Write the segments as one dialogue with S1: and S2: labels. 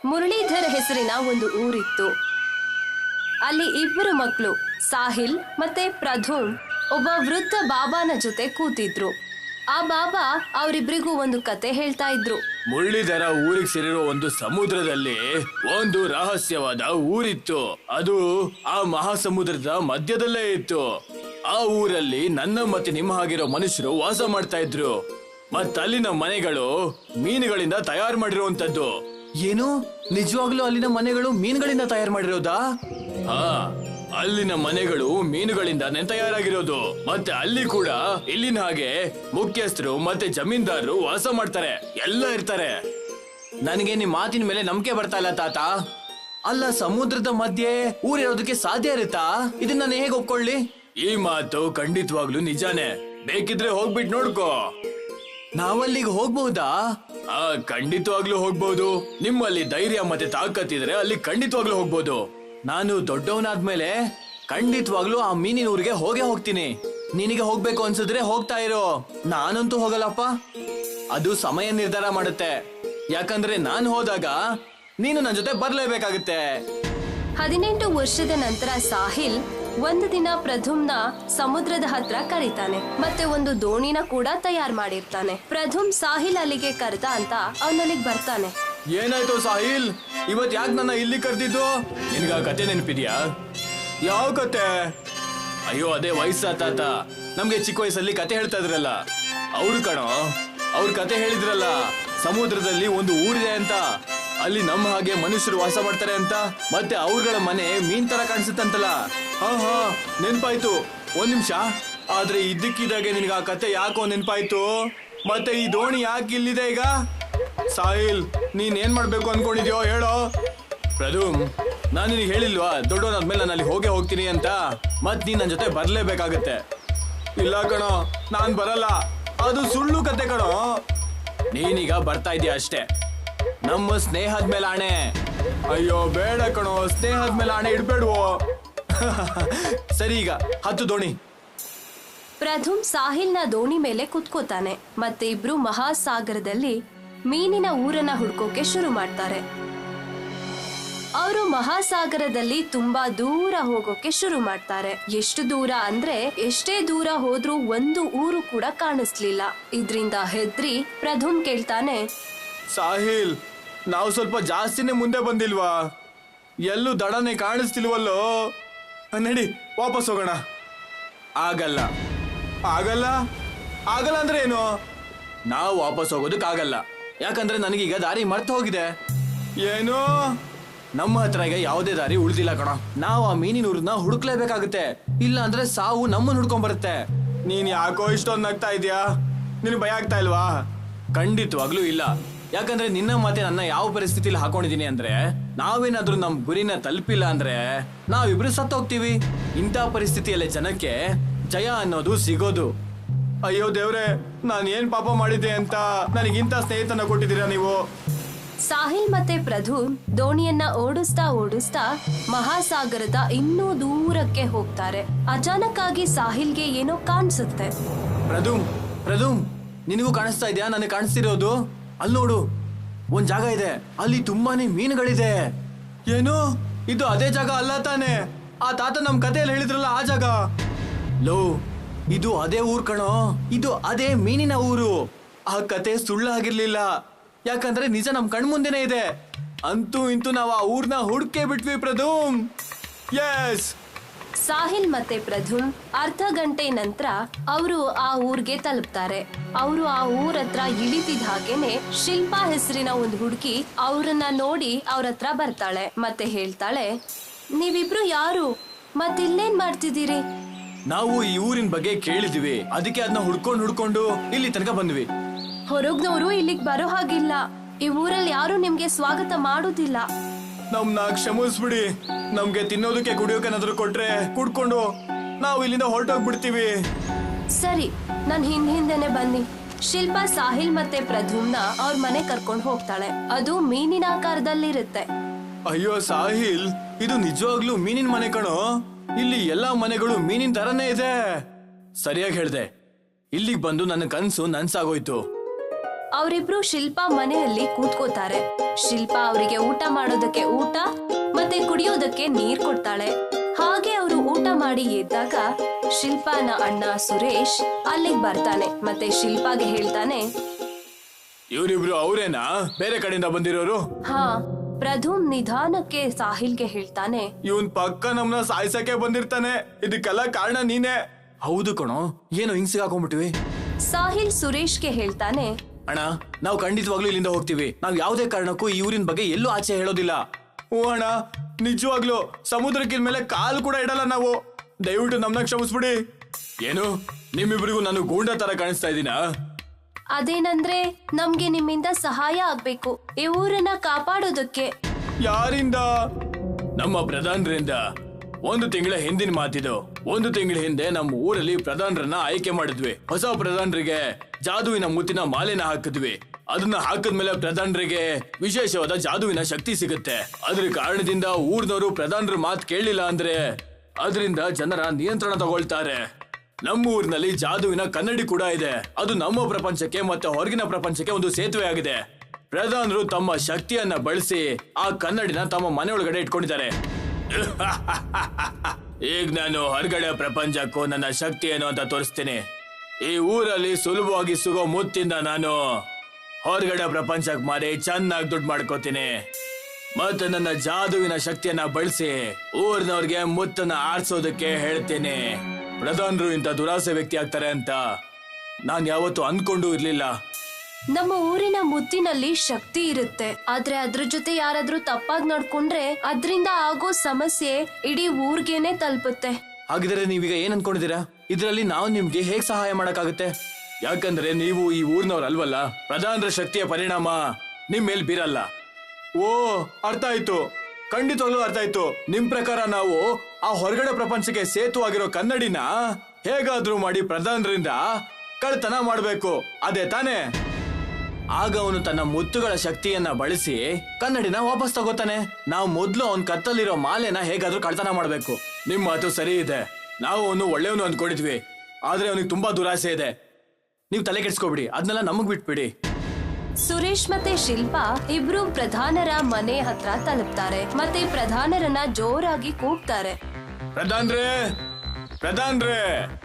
S1: ಮುರಳೀಧರ್ ಹೆಸರಿನ ಒಂದು ಊರಿತ್ತು. ಅಲ್ಲಿ ಇಬ್ಬರು ಮಕ್ಕಳು ಸಾಹಿಲ್ ಮತ್ತೆ ಪ್ರಧುಮ್ ಒಬ್ಬ ವೃದ್ಧ ಬಾಬಾನ ಜೊತೆ ಕೂತಿದ್ರು. ಆ ಬಾಬಾ ಅವರಿಬ್ರಿಗೂ ಒಂದು ಕತೆ ಹೇಳ್ತಾ ಇದ್ರು.
S2: ಮುರಳೀಧರ ಊರಿಗೆ ಸೇರಿರೋ ಒಂದು ಸಮುದ್ರದಲ್ಲಿ ಒಂದು ರಹಸ್ಯವಾದ ಊರಿತ್ತು. ಅದು ಆ ಮಹಾಸಮುದ್ರದ ಮಧ್ಯದಲ್ಲೇ ಇತ್ತು. ಆ ಊರಲ್ಲಿ ನನ್ನ ಮತ್ತೆ ನಿಮ್ಮ ಹಾಗಿರೋ ಮನುಷ್ಯರು ವಾಸ ಮಾಡ್ತಾ ಇದ್ರು. ಅಲ್ಲಿನ ಮನೆಗಳು ಮೀನುಗಳಿಂದ ತಯಾರು ಮಾಡಿರುವಂತದ್ದು. ಏನು, ನಿಜವಾಗ್ಲೂ ಅಲ್ಲಿನ ಮನೆಗಳು ಮೀನುಗಳಿಂದ ತಯಾರು ಮಾಡಿರೋದಾ? ಹಾ, ಅಲ್ಲಿನ ಮನೆಗಳು ಮೀನುಗಳಿಂದಾನೇ ತಯಾರಾಗಿರೋದು. ಮತ್ತೆ ಅಲ್ಲಿ ಕೂಡ ಇಲ್ಲಿನ ಹಾಗೆ ಮುಖ್ಯಸ್ಥರು ಮತ್ತೆ ಜಮೀನ್ದಾರರು ವಾಸ ಮಾಡ್ತಾರೆ, ಎಲ್ಲ ಇರ್ತಾರೆ. ನನಗೆ ನಿಮ್ ಮಾತಿನ ಮೇಲೆ ನಂಬಿಕೆ ಬರ್ತಾ ಇಲ್ಲ ತಾತ. ಅಲ್ಲ, ಸಮುದ್ರದ ಮಧ್ಯೆ ಊರಿರೋದಕ್ಕೆ ಸಾಧ್ಯ ಇರುತ್ತಾ? ಇದನ್ನ ನಾನು ಹೇಗೆ ಒಪ್ಕೊಳ್ಳಿ? ಈ ಮಾತು ಖಂಡಿತವಾಗ್ಲೂ ನಿಜಾನೇ. ಬೇಕಿದ್ರೆ ಹೋಗ್ಬಿಟ್ಟು ನೋಡ್ಕೋ. ನಾವಲ್ಲಿಗೆ ಹೋಗ್ಬಹುದಾ? ಖಂಡಿತವಾಗ್ಲೂ ಹೋಗ್ಬಹುದು. ನಿಮ್ಮಲ್ಲಿ ಧೈರ್ಯ ಮತ್ತೆ ತಾಕತ್ತಿದ್ರೆ ಅಲ್ಲಿ ಖಂಡಿತವಾಗ್ಲೂ ಹೋಗ್ಬೋದು. ನಾನು ದೊಡ್ಡವನಾದ್ಮೇಲೆ ಖಂಡಿತವಾಗ್ಲೂ ಆ ಮೀನಿನ ಊರಿಗೆ ಹೋಗ್ತೀನಿ. ನಿನಗೆ ಹೋಗ್ಬೇಕು ಅನ್ಸಿದ್ರೆ ಹೋಗ್ತಾ ಇರೋ. ನಾನಂತೂ ಹೋಗಲ್ಲಪ್ಪ. ಅದು ಸಮಯ ನಿರ್ಧಾರ ಮಾಡುತ್ತೆ. ಯಾಕಂದ್ರೆ ನಾನು ಹೋದಾಗ ನೀನು ನನ್ನ ಜೊತೆ ಬರ್ಲೇಬೇಕಾಗುತ್ತೆ.
S1: 18 ವರ್ಷದ ನಂತರ ಸಾಹಿಲ್ ಒಂದು ದಿನ ಪ್ರಧುಮ್ನ ಸಮುದ್ರದ ಹತ್ರ ಕರೀತಾನೆ. ಮತ್ತೆ ಒಂದು ದೋಣಿನ ಕೂಡ ತಯಾರು ಮಾಡಿರ್ತಾನೆ. ಪ್ರಧುಮ್ ಸಾಹಿಲ್ ಅಲ್ಲಿಗೆ ಕರೆದ ಅಂತ ಅವನಲ್ಲಿಗೆ ಬರ್ತಾನೆ.
S2: ಏನಾಯ್ತು ಸಾಹಿಲ್, ಇವತ್ ಯಾಕೆ ನನ್ನ ಇಲ್ಲಿ ಕರೆದಿದ್ದು? ನಿನ್ಗ ಕತೆ ನೆನಪಿದ್ಯಾ? ಯಾವ ಕತೆ? ಅಯ್ಯೋ, ಅದೇ ವಯಸ್ಸ ತಾತ ನಮ್ಗೆ ಚಿಕ್ಕ ವಯಸ್ಸಲ್ಲಿ ಕತೆ ಹೇಳ್ತಾ ಇದ್ರಲ್ಲ ಅವ್ರು ಕಣೋ. ಅವ್ರ ಕತೆ ಹೇಳಿದ್ರಲ್ಲ, ಸಮುದ್ರದಲ್ಲಿ ಒಂದು ಊರಿದೆ ಅಂತ, ಅಲ್ಲಿ ನಮ್ಮ ಹಾಗೆ ಮನುಷ್ಯರು ವಾಸ ಮಾಡ್ತಾರೆ ಅಂತ, ಮತ್ತೆ ಅವ್ರಗಳ ಮನೆ ಮೀನ್ ತರ ಕಾಣಿಸುತ್ತಂತಲ್ಲ. ಹಾ, ನೆನ್ಪಾಯ್ತು. ಒಂದ್ ನಿಮಿಷ. ಆದ್ರೆ ಇದ್ದಕ್ಕಿದ್ದಾಗೆ ನಿನ್ಗ ಆ ಕತೆ ಯಾಕೋ ನೆನ್ಪಾಯ್ತು. ಮತ್ತೆ ಈ ದೋಣಿ ಯಾಕೆ ಇಲ್ಲಿದೆ ಈಗ? ಸಾಹಿಲ್, ನೀನ್ ಏನ್ ಮಾಡ್ಬೇಕು ಅನ್ಕೊಂಡಿದ್ಯೋ ಹೇಳೋ. ಪ್ರಧುಮ್, ನಾನು ನಿನಗೆ ಹೇಳಿಲ್ವಾ ದೊಡ್ಡವನಾದ್ಮೇಲೆ ನಾನು ಅಲ್ಲಿ ಹೋಗ್ತೀನಿ ಅಂತ? ಮತ್ ನೀನ್ ನನ್ನ ಜೊತೆ ಬರ್ಲೇಬೇಕಾಗತ್ತೆ. ಇಲ್ಲ ಕಣೋ, ನಾನ್ ಬರಲ್ಲ. ಅದು ಸುಳ್ಳು ಕತೆ ಕಣೋ. ನೀನೀಗ ಬರ್ತಾ ಇದೀಯ ಅಷ್ಟೇ. ನಮ್ಮ ಸ್ನೇಹದ ಮೇಲೆ ಆಣೆ. ಅಯ್ಯೋ ಬೇಡ ಕಣೋ, ಸ್ನೇಹದ ಮೇಲೆ ಆಣೆ ಇಡ್ಬೇಡ್ವೋ. ಸರಿ, ಈಗ ಹತ್ತು ದೋಣಿ.
S1: ಪ್ರಧುಮ್ ಸಾಹಿಲ್ನ ದೋಣಿ ಮೇಲೆ ಕುತ್ಕೋತಾನೆ. ಮತ್ತೆ ಇಬ್ರು ಮಹಾಸಾಗರದಲ್ಲಿ ಮೀನಿನ ಊರನ್ನ ಹುಡ್ಕೋಕೆ ಶುರು ಮಾಡ್ತಾರೆ. ಅವರು ಮಹಾಸಾಗರದಲ್ಲಿ ತುಂಬಾ ದೂರ ಹೋಗೋಕೆ ಶುರು ಮಾಡ್ತಾರೆ. ಎಷ್ಟು ದೂರ ಅಂದ್ರೆ ಎಷ್ಟೇ ದೂರ ಹೋದ್ರೂ ಒಂದು ಊರು ಕೂಡ ಕಾಣಿಸ್ಲಿಲ್ಲ. ಇದ್ರಿಂದ ಹೆದ್ರಿ ಪ್ರಧುಮ್ ಕೇಳ್ತಾನೆ,
S2: ಸಾಹಿಲ್, ನಾವು ಸ್ವಲ್ಪ ಜಾಸ್ತಿನೇ ಮುಂದೆ ಬಂದಿಲ್ವಾ? ಎಲ್ಲೂ ದಡನೆ ಕಾಣಿಸ್ತಿಲ್ವಲ್ಲೋ. ನಡಿ ವಾಪಸ್ ಹೋಗೋಣ. ಆಗಲ್ಲ. ಆಗಲ್ಲ ಆಗಲ್ಲ ಅಂದ್ರೆ ಏನು? ನಾವು ವಾಪಸ್ ಹೋಗೋದಕ್ಕಾಗಲ್ಲ. ಯಾಕಂದ್ರೆ ನನಗೀಗ ದಾರಿ ಮರ್ತು ಹೋಗಿದೆ. ಏನು? ನಮ್ಮ ಹತ್ರ ಈಗ ಯಾವುದೇ ದಾರಿ ಉಳಿದಿಲ್ಲ ಕಣ. ನಾವು ಆ ಮೀನಿನೂರನ್ನ ಹುಡುಕ್ಲೇಬೇಕಾಗುತ್ತೆ. ಇಲ್ಲ ಅಂದ್ರೆ ಸಾವು ನಮ್ಮನ್ನ ಹುಡ್ಕೊಂಡ್ ಬರುತ್ತೆ. ನೀನ್ ಯಾಕೋ ಇಷ್ಟೊಂದು ನಗ್ತಾ ಇದೀಯಾ? ನಿನ್ ಭಯ ಆಗ್ತಾ ಇಲ್ವಾ? ಖಂಡಿತವಾಗ್ಲೂ ಇಲ್ಲ. ಯಾಕಂದ್ರೆ ನಿನ್ನ ಮಾತೆ ನನ್ನ ಯಾವ ಪರಿಸ್ಥಿತಿಲಿ ಹಾಕೊಂಡಿದೀನಿ ಅಂದ್ರೆ, ನಾವೇನಾದ್ರೂ ನಮ್ ಗುರಿನ ತಲುಪಿಲ್ಲ ಅಂದ್ರೆ ನಾವಿಬ್ರು ಸತ್ತೋಗ್ತೀವಿ. ಇಂಥ ಪರಿಸ್ಥಿತಿಯಲ್ಲೇ ಜನಕ್ಕೆ ಜಯ ಅನ್ನೋದು ಸಿಗೋದು. ಅಯ್ಯೋ ದೇವ್ರೆ, ನಾನು ಏನ್ ಪಾಪ ಮಾಡಿದ್ದೆ ಅಂತ ನನಗಿಂತ ಸ್ನೇಹಿತನ ಕೊಟ್ಟಿದ್ದೀರಾ ನೀವು?
S1: ಸಾಹಿಲ್ ಮತ್ತೆ ಪ್ರಧುಮ್ ದೋಣಿಯನ್ನ ಓಡಿಸ್ತಾ ಮಹಾಸಾಗರದ ಇನ್ನೂ ದೂರಕ್ಕೆ ಹೋಗ್ತಾರೆ. ಅಚಾನಕ್ ಆಗಿ ಸಾಹಿಲ್ಗೆ ಏನೋ ಕಾಣಿಸುತ್ತೆ.
S2: ಪ್ರಧುಮ್, ನಿನಗೂ ಕಾಣಿಸ್ತಾ ಇದೆಯಾ? ನನಗೆ ಕಾಣಿಸ್ತಿರೋದು ಅಲ್ಲಿ ನೋಡು, ಒಂದ್ ಜಾಗ ಇದೆ. ಅಲ್ಲಿ ತುಂಬಾನೇ ಮೀನುಗಳಿದೆ. ಏನು? ಇದು ಅದೇ ಜಾಗ ಅಲ್ಲ ತಾನೆ? ಆ ತಾತ ನಮ್ ಕಥೆಯಲ್ಲಿ ಹೇಳಿದ್ರಲ್ಲ ಆ ಜಾಗ. ಲೋ, ಇದು ಅದೇ ಊರ್ ಕಣೋ. ಇದು ಅದೇ ಮೀನಿನ ಊರು. ಆ ಕತೆ ಸುಳ್ಳಾಗಿರ್ಲಿಲ್ಲ. ಯಾಕಂದ್ರೆ ನಿಜ ನಮ್ ಕಣ್ಮುಂದೆನೆ ಇದೆ. ಅಂತೂ ಇಂತೂ ನಾವು ಆ ಊರ್ನ ಹುಡ್ಕೇ ಬಿಟ್ವಿ ಪ್ರಧುಮ್. ಎಸ್.
S1: ಸಾಹಿಲ್ ಮತ್ತೆ ಪ್ರಧುಮ್ ಅರ್ಧ ಗಂಟೆ ನಂತರ ಅವರು ಆ ಊರ್ಗೆ ತಲುಪ್ತಾರೆ. ಅವರು ಆ ಊರ ಹತ್ರ ಇಳಿತಿದ ಹಾಗೇನೆ ಶಿಲ್ಪಾ ಹೆಸರಿನ ಒಂದು ಹುಡುಗಿ ಅವ್ರನ್ನ ನೋಡಿ ಅವ್ರ ಹತ್ರ ಬರ್ತಾಳೆ. ಮತ್ತೆ ಹೇಳ್ತಾಳೆ, ನೀವಿಬ್ರು ಯಾರು? ಮತ್ತಿಲ್ಲೇನ್ ಮಾಡ್ತಿದ್ದೀರಿ?
S2: ನಾವು ಈ ಊರಿನ ಬಗ್ಗೆ ಕೇಳಿದ್ವಿ, ಅದಕ್ಕೆ ಅದನ್ನ ಹುಡ್ಕೊಂಡು ಇಲ್ಲಿ ತನಕ ಬಂದ್ವಿ.
S1: ಹೊರಗ್ನವರು ಇಲ್ಲಿಗ್ ಬರೋ ಹಾಗಿಲ್ಲ. ಈ ಊರಲ್ಲಿ ಯಾರು ನಿಮ್ಗೆ ಸ್ವಾಗತ ಮಾಡುದಿಲ್ಲ.
S2: ನಮ್ನ ಕ್ಷಮಿಸ್ಬಿಡಿ. ನಮ್ಗೆ ತಿನ್ನೋದಕ್ಕೆ ಕುಡಿಯೋಕೆ ಏನಾದ್ರು ಕೊಟ್ರೆ ಕುಡ್ಕೊಂಡು ನಾವು ಇಲ್ಲಿಂದ ಹೊರಟೋಗ್ಬಿಡ್ತೀವಿ.
S1: ಸರಿ, ನನ್ ಹಿಂದೆನೆ ಬನ್ನಿ. ಶಿಲ್ಪಾ ಸಾಹಿಲ್ ಮತ್ತೆ ಪ್ರಧುಮ್ನ ಅವ್ರ ಮನೆ ಕರ್ಕೊಂಡು ಹೋಗ್ತಾಳೆ. ಅದು ಮೀನಿನ ಆಕಾರದಲ್ಲಿರುತ್ತೆ.
S2: ಅಯ್ಯೋ ಸಾಹಿಲ್, ಇದು ನಿಜವಾಗ್ಲೂ ಮೀನಿನ ಮನೆ ಕಣೋ. ಇಲ್ಲಿ ಎಲ್ಲಾ ಮನೆಗಳು ಮೀನಿನ ತರನೇ ಇದೆ. ಸರಿಯಾಗಿ ಹೇಳ್ದೆ. ಇಲ್ಲಿಗೆ ಬಂದು ನನ್ನ ಕನ್ಸು ನನ್ಸಾಗೋಯ್ತು.
S1: ಅವರಿಬ್ರು ಶಿಲ್ಪಾ ಮನೆಯಲ್ಲಿ ಕೂತ್ಕೋತಾರೆ. ಶಿಲ್ಪಾ ಅವರಿಗೆ ಊಟ ಮಾಡೋದಕ್ಕೆ ಊಟ ಮತ್ತೆ ಕುಡಿಯೋದಕ್ಕೆ ನೀರ್ ಕೊಡ್ತಾಳೆ. ಹಾಗೆ ಅವರು ಊಟ ಮಾಡಿ ಎದ್ದಾಗ ಶಿಲ್ಪಾನ ಅಣ್ಣ ಸುರೇಶ್ ಅಲ್ಲಿಗೆ ಬರ್ತಾನೆ. ಮತ್ತೆ ಶಿಲ್ಪಾಗೆ ಹೇಳ್ತಾನೆ,
S2: ಇವರಿಬ್ರು ಅವರೇನಾ ಬೇರೆ ಕಡೆಯಿಂದ ಬಂದಿರೋರು?
S1: ಹಾ. ಪ್ರಧುಮ್ ನಿಧಾನಕ್ಕೆ ಸಾಹಿಲ್ಗೆ ಹೇಳ್ತಾನೆ,
S2: ಇವನ್ ಪಕ್ಕ ನಮ್ನ ಸಾಯ್ಸಕ್ಕೆ ಬಂದಿರ್ತಾನೆ. ಇದಕ್ಕೆಲ್ಲ ಕಾರಣ ನೀನೇ. ಹೌದು ಕಣೋ, ಏನೋ ಹಿಂಗ್ ಸಿಗಾಕೊಂಡ್ಬಿಟ್ವಿ.
S1: ಸಾಹಿಲ್ ಸುರೇಶ್ಗೆ ಹೇಳ್ತಾನೆ,
S2: ಅಣ್ಣ ನಾವು ಖಂಡಿತವಾಗ್ಲೂ ಇಲ್ಲಿಂದ ಹೋಗ್ತೀವಿ. ನಾವ್ ಯಾವುದೇ ಕಾರಣಕ್ಕೂ ಈ ಊರಿನ ಬಗ್ಗೆ ಎಲ್ಲೂ ಆಚೆ ಹೇಳೋದಿಲ್ಲ. ಓ ಅಣ್ಣ, ನಿಜವಾಗ್ಲೂ ಸಮುದ್ರಕ್ಕಿನ ಮೇಲೆ ಕಾಲು ಕೂಡ ಇಡಲ್ಲ ನಾವು. ದಯವಿಟ್ಟು ನಮ್ನ ಕ್ಷಮಿಸ್ಬಿಡಿ. ಏನು ನಿಮ್ಮಿಬ್ರಿಗೂ ನಾನು ಗೂಂಡ ತರ ಕಾಣಿಸ್ತಾ ಇದ್ದೀನಾ?
S1: ಅದೇನಂದ್ರೆ ನಮ್ಗೆ ನಿಮ್ಮಿಂದ ಸಹಾಯ ಆಗ್ಬೇಕು, ಈ ಊರನ್ನ ಕಾಪಾಡೋದಕ್ಕೆ.
S2: ಯಾರಿಂದ? ನಮ್ಮ ಪ್ರಧಾನರಿಂದ. 1 ತಿಂಗಳ ಹಿಂದಿನ ಮಾತಿದು. 1 ತಿಂಗಳ ಹಿಂದೆ ನಮ್ಮ ಊರಲ್ಲಿ ಪ್ರಧಾನರನ್ನ ಆಯ್ಕೆ ಮಾಡಿದ್ವಿ. ಹೊಸ ಪ್ರಧಾನರಿಗೆ ಜಾದುವಿನ ಮುತ್ತಿನ ಮಾಲೆನ ಹಾಕಿದ್ವಿ. ಅದನ್ನ ಹಾಕಿದ್ಮೇಲೆ ಪ್ರಧಾನರಿಗೆ ವಿಶೇಷವಾದ ಜಾದುವಿನ ಶಕ್ತಿ ಸಿಗುತ್ತೆ. ಅದ್ರ ಕಾರಣದಿಂದ ಊರ್ನವರು ಪ್ರಧಾನರ ಮಾತು ಕೇಳಲಿಲ್ಲ ಅಂದ್ರೆ ಅದರಿಂದ ಜನರ ನಿಯಂತ್ರಣ ತಗೊಳ್ತಾರೆ. ನಮ್ಮ ಊರಿನಲ್ಲಿ ಜಾದುವಿನ ಕನ್ನಡಿ ಕೂಡ ಇದೆ. ಅದು ನಮ್ಮ ಪ್ರಪಂಚಕ್ಕೆ ಮತ್ತೆ ಹೊರಗಿನ ಪ್ರಪಂಚಕ್ಕೆ ಒಂದು ಸೇತುವೆ ಆಗಿದೆ. ಪ್ರಧಾನರು ತಮ್ಮ ಶಕ್ತಿಯನ್ನ ಬಳಸಿ ಆ ಕನ್ನಡಿನ ತಮ್ಮ ಮನೆಯೊಳಗಡೆ ಇಟ್ಕೊಂಡಿದ್ದಾರೆ. ಈಗ ನಾನು ಹೊರಗಡೆ ಪ್ರಪಂಚಕ್ಕೂ ನನ್ನ ಶಕ್ತಿ ಏನು ಅಂತ ತೋರಿಸ್ತೀನಿ. ಈ ಊರಲ್ಲಿ ಸುಲಭವಾಗಿ ಸಿಗೋ ಮುತ್ತಿಂದ ನಾನು ಹೊರಗಡೆ ಪ್ರಪಂಚಕ್ಕೆ ಮಾರಿ ಚೆನ್ನಾಗಿ ದುಡ್ಡು ಮಾಡ್ಕೋತೀನಿ. ಮತ್ತೆ ನನ್ನ ಜಾದುವಿನ ಶಕ್ತಿಯನ್ನ ಬಳಸಿ ಊರಿನವ್ರಿಗೆ ಮುತ್ತನ್ನ ಆರಿಸೋದಕ್ಕೆ ಹೇಳ್ತೀನಿ. ಪ್ರಧಾನರು ಇಂಥ ದುರಾಸೆ ವ್ಯಕ್ತಿ ಆಗ್ತಾರೆ ಅಂತ ನಾನ್ ಯಾವತ್ತೂ ಅನ್ಕೊಂಡು ಇರ್ಲಿಲ್ಲ.
S1: ನಮ್ಮ ಊರಿನ ಮುತ್ತಿನಲ್ಲಿ ಶಕ್ತಿ ಇರುತ್ತೆ, ಆದ್ರೆ ಅದ್ರ ಜೊತೆ ಯಾರಾದ್ರೂ ತಪ್ಪಾಗಿ ನಡ್ಕೊಂಡ್ರೆ ಅದ್ರಿಂದ ಆಗೋ ಸಮಸ್ಯೆ ಇಡೀ ಊರ್ಗೆನೆ ತಲುಪುತ್ತೆ.
S2: ಹಾಗಿದ್ರೆ ನೀವೀಗ ಏನ್ ಅನ್ಕೊಂಡಿದ್ದೀರಾ? ಇದರಲ್ಲಿ ನಾವು ನಿಮ್ಗೆ ಹೇಗ್ ಸಹಾಯ ಮಾಡಕ್ಕಾಗುತ್ತೆ? ಯಾಕಂದ್ರೆ ನೀವು ಈ ಊರ್ನವ್ರಲ್ವಲ್ಲ. ಪ್ರಧಾನರ ಶಕ್ತಿಯ ಪರಿಣಾಮ ನಿಮ್ ಮೇಲ್ ಬೀರಲ್ಲ. ಓ, ಅರ್ಥ ಆಯ್ತು. ಖಂಡಿತವಾಗ್ಲೂ ಅರ್ಥ ಆಯ್ತು. ನಿಮ್ ಪ್ರಕಾರ ನಾವು ಆ ಹೊರಗಡೆ ಪ್ರಪಂಚಕ್ಕೆ ಸೇತುವಾಗಿರೋ ಕನ್ನಡಿನ ಹೇಗಾದ್ರೂ ಮಾಡಿ ಪ್ರಧಾನರಿಂದ ಕಳ್ತನ ಮಾಡ್ಬೇಕು, ಅದೇ ತಾನೇ? ಆಗ ಅವನು ತನ್ನ ಮುತ್ತುಗಳ ಶಕ್ತಿಯನ್ನ ಬಳಸಿ ಕನ್ನಡಿನ ವಾಪಸ್ ತಗೋತಾನೆ. ನಾವು ಮೊದ್ಲು ಅವನ್ ಕತ್ತಲ್ಲಿರೋ ಮಾಲೆನ ಹೇಗಾದ್ರೂ ಕಳ್ತನ ಮಾಡ್ಬೇಕು. ನಿಮ್ ಮಾತು ಸರಿ ಇದೆ. ನಾವು ಅವನು ಒಳ್ಳೆಯವನು ಅಂದ್ಕೊಂಡಿದ್ವಿ, ಆದ್ರೆ ಅವನಿಗೆ ತುಂಬಾ ದುರಾಸೆ ಇದೆ. ನೀವು ತಲೆ ಕೆಡ್ಸ್ಕೊಬಿಡಿ, ಅದನ್ನೆಲ್ಲ ನಮಗ್ ಬಿಟ್ಬಿಡಿ.
S1: ಸುರೇಶ್ ಮತ್ತೆ ಶಿಲ್ಪಾ ಇಬ್ರು ಪ್ರಧಾನರ ಮನೆ ಹತ್ರ ತಲುಪ್ತಾರೆ. ಮತ್ತೆ ಪ್ರಧಾನರನ್ನ ಜೋರಾಗಿ ಕೂಗ್ತಾರೆ,
S2: ಪ್ರಧಾನ್ರೇ, ಪ್ರಧಾನ್ರೇ.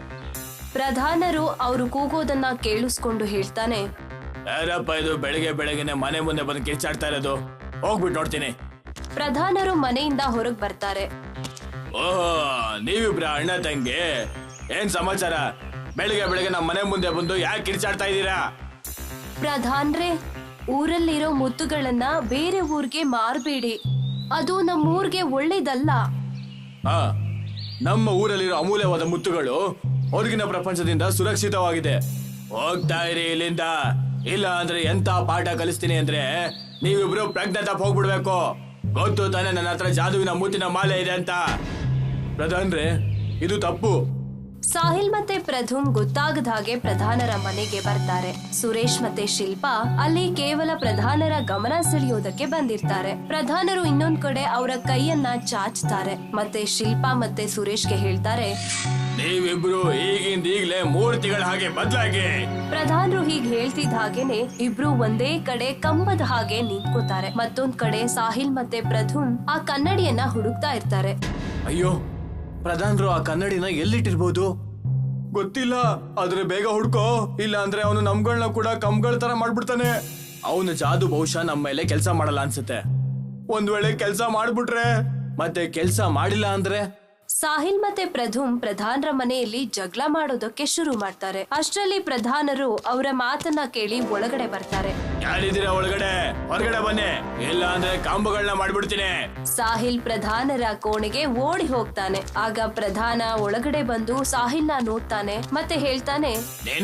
S1: ಪ್ರಧಾನರು ಅವರು ಕೂಗೋದನ್ನ ಕೇಳಿಸ್ಕೊಂಡು ಹೇಳ್ತಾನೆ,
S2: ಯಾರಪ್ಪ ಇದು ಬೆಳಗ್ಗೆ ಬೆಳಗ್ಗೆನೆ ಮನೆ ಮುಂದೆ ಬಂದು ಕಿರ್ಚಾಡ್ತಾ ಇರೋದು? ಹೋಗ್ಬಿಟ್ಟು ನೋಡ್ತೀನಿ.
S1: ಪ್ರಧಾನರು ಮನೆಯಿಂದ ಹೊರಗ್ ಬರ್ತಾರೆ.
S2: ಓಹೋ, ನೀವಿಬ್ರ ಅಣ್ಣ ತಂಗಿ, ಏನ್ ಸಮಾಚಾರ? ಬೆಳಗ್ಗೆ ಬೆಳಗ್ಗೆ ನಮ್ಮ ಮನೆ ಮುಂದೆ ಬಂದು ಯಾಕೆ ಕಿರ್ಚಾಡ್ತಾ ಇದ್ದೀರಾ?
S1: ಪ್ರಧಾನ್ರೆ, ಊರಲ್ಲಿರೋ ಮುತ್ತುಗಳನ್ನ ಬೇರೆ ಊರ್ಗೆ ಮಾರ್ಬೇಡಿ, ಅದು ನಮ್ಮೂರ್ಗೆ ಒಳ್ಳೇದಲ್ಲ.
S2: ಹಾ, ನಮ್ಮ ಊರಲ್ಲಿರೋ ಅಮೂಲ್ಯವಾದ ಮುತ್ತುಗಳು ಹೊರಗಿನ ಪ್ರಪಂಚದಿಂದ ಸುರಕ್ಷಿತವಾಗಿದೆ. ಹೋಗ್ತಾ ಇರಿ ಇಲ್ಲಿಂದ, ಇಲ್ಲ ಅಂದ್ರೆ ಎಂತ ಪಾಠ ಕಲಿಸ್ತೀನಿ ಅಂದ್ರೆ ನೀವಿಬ್ರು ಪ್ರಜ್ಞೆ ತಪ್ಪ ಹೋಗ್ಬಿಡ್ಬೇಕು. ಗೊತ್ತು ತಾನೆ ನನ್ನ ಹತ್ರ ಜಾದುವಿನ ಮುತ್ತಿನ ಮಾಲೆ ಇದೆ ಅಂತ. ಪ್ರಧಾನ್ರೆ, ಇದು ತಪ್ಪು.
S1: ಸಾಹಿಲ್ ಮತ್ತೆ ಪ್ರಧುಮ್ ಗೊತ್ತಾಗದ ಹಾಗೆ ಪ್ರಧಾನರ ಮನೆಗೆ ಬರ್ತಾರೆ. ಸುರೇಶ್ ಮತ್ತೆ ಶಿಲ್ಪಾ ಅಲ್ಲಿ ಕೇವಲ ಪ್ರಧಾನರ ಗಮನ ಸೆಳೆಯೋದಕ್ಕೆ ಬಂದಿರ್ತಾರೆ. ಪ್ರಧಾನರು ಇನ್ನೊಂದ್ ಕಡೆ ಅವರ ಕೈಯನ್ನ ಚಾಚ್ತಾರೆ. ಮತ್ತೆ ಶಿಲ್ಪಾ ಮತ್ತೆ ಸುರೇಶ್ಗೆ ಹೇಳ್ತಾರೆ,
S2: ನೀವಿಬ್ರು ಈಗಿಂದ ಈಗ್ಲೇ ಮೂರ್ತಿಗಳ ಹಾಗೆ ಬದಲಾಗಿ.
S1: ಪ್ರಧಾನರು ಹೀಗ್ ಹೇಳ್ತಿದ್ದ ಹಾಗೇನೆ ಇಬ್ರು ಒಂದೇ ಕಡೆ ಕಂಬದ ಹಾಗೆ ನಿಂತ್ಕೋತಾರೆ. ಮತ್ತೊಂದ್ ಕಡೆ ಸಾಹಿಲ್ ಮತ್ತೆ ಪ್ರಧುಮ್ ಆ ಕನ್ನಡಿಯನ್ನ ಹುಡುಕ್ತಾ ಇರ್ತಾರೆ.
S2: ಅಯ್ಯೋ, ಪ್ರಧಾನರು ಆ ಕನ್ನಡಿನ ಎಲ್ಲಿಟ್ಟಿರ್ಬೋದು ಗೊತ್ತಿಲ್ಲ. ಆದ್ರೆ ಬೇಗ ಹುಡ್ಕೋ, ಇಲ್ಲ ಅಂದ್ರೆ ಅವನು ನಮ್ಗಳನ್ನ ಕೂಡ ಕಂಬಗಳ ತರ ಮಾಡ್ಬಿಡ್ತಾನೆ. ಅವನ ಜಾದು ಬಹುಶಃ ನಮ್ಮ ಮೇಲೆ ಕೆಲಸ ಮಾಡಲ್ಲ ಅನ್ಸುತ್ತೆ. ಒಂದ್ ವೇಳೆ ಕೆಲಸ ಮಾಡ್ಬಿಟ್ರೆ, ಮತ್ತೆ ಕೆಲಸ ಮಾಡಿಲ್ಲ ಅಂದ್ರೆ?
S1: ಸಾಹಿಲ್ ಮತ್ತೆ ಪ್ರಧುಮ್ ಪ್ರಧಾನರ ಮನೆಯಲ್ಲಿ ಜಗಳ ಮಾಡೋದಕ್ಕೆ ಶುರು ಮಾಡ್ತಾರೆ. ಅಷ್ಟರಲ್ಲಿ ಪ್ರಧಾನರು ಅವರ ಮಾತನ್ನ ಕೇಳಿ ಒಳಗಡೆ ಬರ್ತಾರೆ.
S2: ಯಾರಿದ್ದೀರಾ ಒಳಗಡೆ? ಹೊರಗಡೆ ಬನ್ನಿ, ಇಲ್ಲ ಅಂದ್ರೆ ಕಂಬಗಳನ್ನ ಮಾಡ್ಬಿಡ್ತೀನಿ.
S1: ಸಾಹಿಲ್ ಪ್ರಧಾನರ ಕೋಣೆಗೆ ಓಡಿ ಹೋಗ್ತಾನೆ. ಆಗ ಪ್ರಧಾನ ಒಳಗಡೆ ಬಂದು ಸಾಹಿಲ್ನ ನೋಡ್ತಾನೆ ಮತ್ತೆ ಹೇಳ್ತಾನೆ,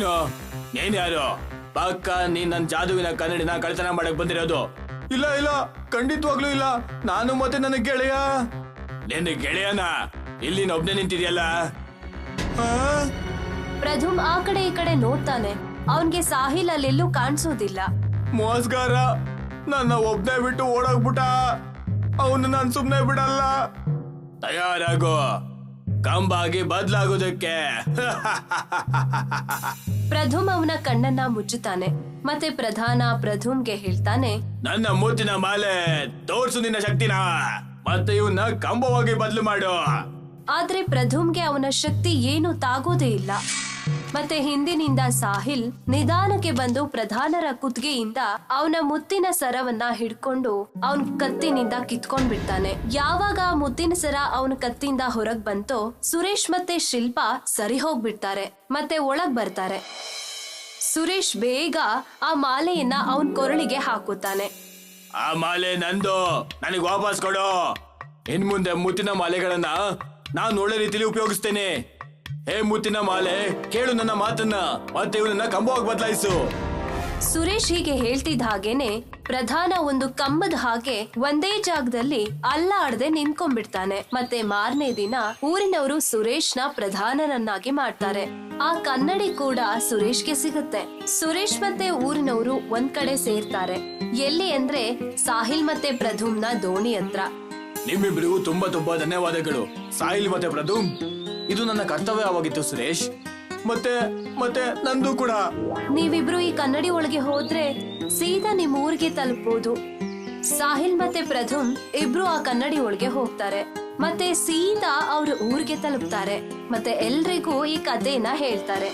S2: ನೀನ್ ಯಾರು? ಪಕ್ಕ ನೀನ್ ನನ್ ಜಾದುವಿನ ಕನ್ನಡಿನ ಕಳ್ತನ ಮಾಡಕ್ ಬಂದಿರೋದು? ಇಲ್ಲ ಇಲ್ಲ, ಖಂಡಿತವಾಗ್ಲೂ ಇಲ್ಲ. ನಾನು ಮತ್ತೆ ನನ್ನ ಗೆಳೆಯ. ನಿನ್ನ ಗೆಳೆಯನ ಇಲ್ಲಿ ಒಬ್ನೇ ನಿಂತಿದ್ಯಲ್ಲ?
S1: ಪ್ರಧುಮ್ ಆ ಕಡೆ ಈ ಕಡೆ ನೋಡ್ತಾನೆ. ಅವನ್ಗೆ ಸಾಹಿಲ್ ಅಲ್ಲೆಲ್ಲೂ ಕಾಣಿಸೋದಿಲ್ಲ.
S2: ಮೋಸ್ಗಾರ ನನ್ನ ಒಬ್ನೇ ಬಿಟ್ಟು ಓಡೋಗ್ಬಿಟ್ಟ. ಅವನು ನಾನ್ ಸುಮ್ನೆ ಬಿಡಲ್ಲ. ತಯಾರಾಗೋ, ಕಂಬಾಗಿ ಬದ್ಲಾಗೋದಕ್ಕೆ.
S1: ಪ್ರಧುಮ್ ಅವನ ಕಣ್ಣನ್ನ ಮುಚ್ಚುತ್ತಾನೆ. ಮತ್ತೆ ಪ್ರಧಾನ ಪ್ರಧುಮ್ಗೆ ಹೇಳ್ತಾನೆ,
S2: ನನ್ನ ಮುತ್ತಿನ ಮಾಲೆ ತೋರ್ಸು ನಿನ್ನ ಶಕ್ತಿನ, ಮತ್ತೆ ಇವನ್ನ ಕಂಬವಾಗಿ ಬದಲು ಮಾಡು.
S1: ಆದ್ರೆ ಪ್ರಧುಮ್ಗೆ ಅವನ ಶಕ್ತಿ ಏನು ತಾಗೋದೇ ಇಲ್ಲ. ಮತ್ತೆ ಹಿಂದಿನಿಂದ ಸಾಹಿಲ್ ನಿಧಾನಕ್ಕೆ ಬಂದು ಪ್ರಧಾನರ ಕುತ್ತಿಗೆಯಿಂದ ಅವನ ಮುತ್ತಿನ ಸರವನ್ನ ಹಿಡ್ಕೊಂಡು ಅವನ್ ಕತ್ತಿನಿಂದ ಕಿತ್ಕೊಂಡ್ ಬಿಡ್ತಾನೆ. ಯಾವಾಗ ಆ ಮುತ್ತಿನ ಸರ ಅವನ ಕತ್ತಿಂದ ಹೊರಗ್ ಬಂತೋ ಸುರೇಶ್ ಮತ್ತೆ ಶಿಲ್ಪಾ ಸರಿ ಹೋಗ್ಬಿಡ್ತಾರೆ ಮತ್ತೆ ಒಳಗ್ ಬರ್ತಾರೆ. ಸುರೇಶ್ ಬೇಗ ಆ ಮಾಲೆಯನ್ನ ಅವನ್ ಕೊರಳಿಗೆ ಹಾಕುತ್ತಾನೆ.
S2: ಆ ಮಾಲೆ ನಂದು, ನನಗೆ ವಾಪಸ್ ಕೊಡು. ಇನ್ ಮುಂದೆ ಮುತ್ತಿನ ಮಾಲೆಗಳನ್ನ ನಾನು ಒಳ್ಳೆ ರೀತಿಯಲ್ಲಿ ಉಪಯೋಗಿಸ್ತೇನೆ. ಹೇ ಮುತ್ತಿನ ಮಾಲೆ, ಕೇಳು ನನ್ನ ಮಾತನ್ನ, ಮತ್ತೆ ಇವಳನ್ನ ಕಂಬವಾಗಿ ಬದಲಾಯಿಸು.
S1: ಸುರೇಶ್ ಹೀಗೆ ಹೇಳ್ತಿದ್ದ ಹಾಗೇನೆ ಪ್ರಧಾನ ಒಂದು ಕಂಬದ ಹಾಗೆ ಒಂದೇ ಜಾಗದಲ್ಲಿ ಅಲ್ಲಾಡದೆ ನಿಂತ್ಕೊಂಡ್ಬಿಡ್ತಾನೆ. ಮತ್ತೆ ಮಾರನೇ ದಿನ ಊರಿನವರು ಸುರೇಶ್ನ ಪ್ರಧಾನನನ್ನಾಗಿ ಮಾಡ್ತಾರೆ. ಆ ಕನ್ನಡಿ ಕೂಡ ಸುರೇಶ್ಗೆ ಸಿಗುತ್ತೆ. ಸುರೇಶ್ ಮತ್ತೆ ಊರಿನವರು ಒಂದ್ ಕಡೆ ಸೇರ್ತಾರೆ. ಎಲ್ಲಿ ಅಂದ್ರೆ ಸಾಹಿಲ್ ಮತ್ತೆ ಪ್ರಧುಮ್ನ ದೋಣಿ ಹತ್ರ.
S2: ನಿಮ್ಮಿಬ್ಬರಿಗೂ ತುಂಬಾ ತುಂಬಾ ಧನ್ಯವಾದಗಳು ಸಾಹಿಲ್ ಮತ್ತೆ ಪ್ರಧುಮ್. ಇದು ನನ್ನ ಕರ್ತವ್ಯವಾಗಿತ್ತು ಸುರೇಶ್, ಮತ್ತೆ ಮತ್ತೆ ನಂದು ಕೂಡ.
S1: ನೀವಿಬ್ರು ಈ ಕನ್ನಡಿ ಒಳಗೆ ಹೋದ್ರೆ ಸೀದಾ ನಿಮ್ ಊರಿಗೆ ತಲುಪಬಹುದು. ಸಾಹಿಲ್ ಮತ್ತೆ ಪ್ರಧುಮ್ ಇಬ್ರು ಆ ಕನ್ನಡಿ ಒಳಗೆ ಹೋಗ್ತಾರೆ ಮತ್ತೆ ಸೀದಾ ಅವ್ರ ಊರಿಗೆ ತಲುಪ್ತಾರೆ ಮತ್ತೆ ಎಲ್ರಿಗೂ ಈ ಕಥೆನ ಹೇಳ್ತಾರೆ.